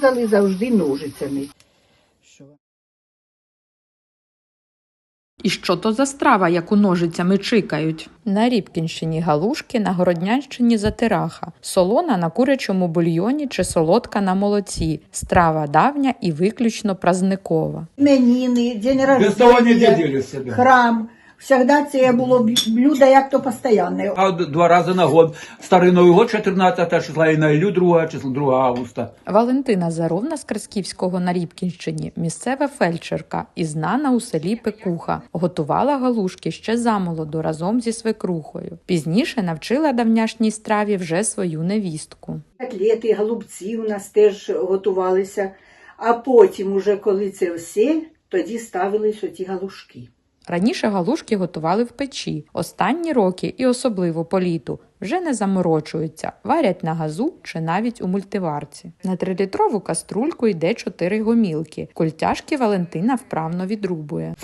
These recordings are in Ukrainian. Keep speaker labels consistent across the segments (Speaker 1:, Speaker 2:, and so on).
Speaker 1: різали завжди ножицями.
Speaker 2: І що то за страва, яку ножицями чикають? На Рібкінщині галушки, на Городнянщині затираха, солона на курячому бульйоні чи солодка на молоці. Страва давня і виключно празникова.
Speaker 1: Іменини, день рождения, храм. Всегда це було блюдо як то постійне.
Speaker 3: А 2 рази на год. Старий Новий год 14 числа і на Іллю 2 августа.
Speaker 2: Валентина Заровна з Красківського на Рібкінщині – місцева фельдшерка і знана у селі пекуха. Готувала галушки ще замолоду разом зі свекрухою. Пізніше навчила давняшній страві вже свою невістку.
Speaker 1: Котлети, голубці у нас теж готувалися. А потім, уже коли це все, тоді ставились оті галушки.
Speaker 2: Раніше галушки готували в печі. Останні роки, і особливо по літу, вже не заморочуються, варять на газу чи навіть у мультиварці. На 3-літрову каструльку йде 4 гомілки. Культяшки Валентина вправно відрубує.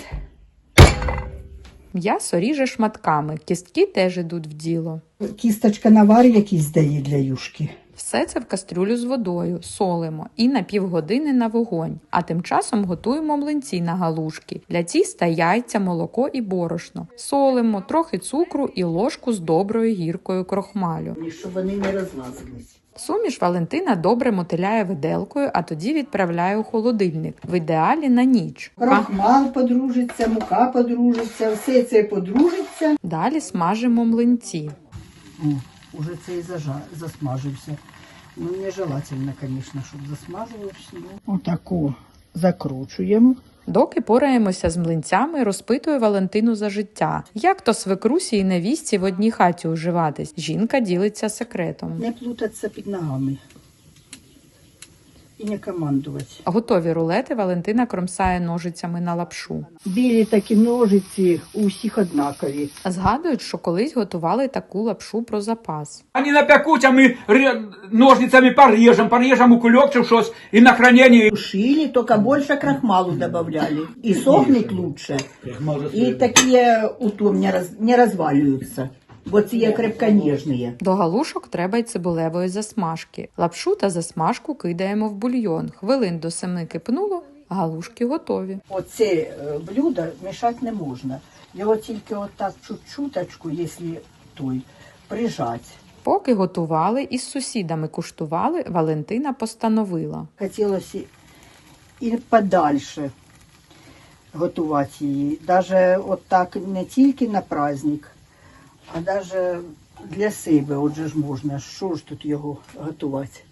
Speaker 2: М'ясо ріже шматками, кістки теж ідуть в діло.
Speaker 1: Кісточка навар якийсь дає для юшки.
Speaker 2: Все це в кастрюлю з водою, солимо і на півгодини на вогонь. А тим часом готуємо млинці на галушки. Для тіста яйця, молоко і борошно. Солимо, трохи цукру і ложку з доброю гіркою крохмалю.
Speaker 1: Щоб вони не розлазились.
Speaker 2: Суміш Валентина добре мотиляє виделкою, а тоді відправляє у холодильник. В ідеалі на ніч.
Speaker 1: Крохмал подружиться, мука подружиться, все це подружиться.
Speaker 2: Далі смажимо млинці.
Speaker 1: Уже це і засмажився. Ну, нежелательно, звісно, щоб засмажувався. Отако закручуємо.
Speaker 2: Доки пораємося з млинцями, розпитую Валентину за життя. Як то свекрусі і невістці в одній хаті уживатись? Жінка ділиться секретом.
Speaker 1: Не плутатися під ногами. І не командувати.
Speaker 2: Готові рулети Валентина кромсає ножицями на лапшу.
Speaker 1: Білі такі ножиці у всіх однакові.
Speaker 2: Згадують, що колись готували таку лапшу про запас.
Speaker 3: Вони напекуть, а ми ножницями порежемо у кульок чи щось і на хранення.
Speaker 1: Шили, только больше крахмалу добавляли. И сохнет лучше. И такие утом не разваливаются. Бо ці є крепконіжні.
Speaker 2: До галушок треба й цибулевої засмажки. Лапшу та засмажку кидаємо в бульйон. Хвилин до 7 кипнуло, галушки готові.
Speaker 1: Оце блюдо мішати не можна. Його тільки отак чуть-чуточку, якщо прижати.
Speaker 2: Поки готували і з сусідами куштували, Валентина постановила.
Speaker 1: Хотілося і подальше готувати її. Навіть отак не тільки на праздник, а навіть для себе, отже ж можна, що ж тут його готувати.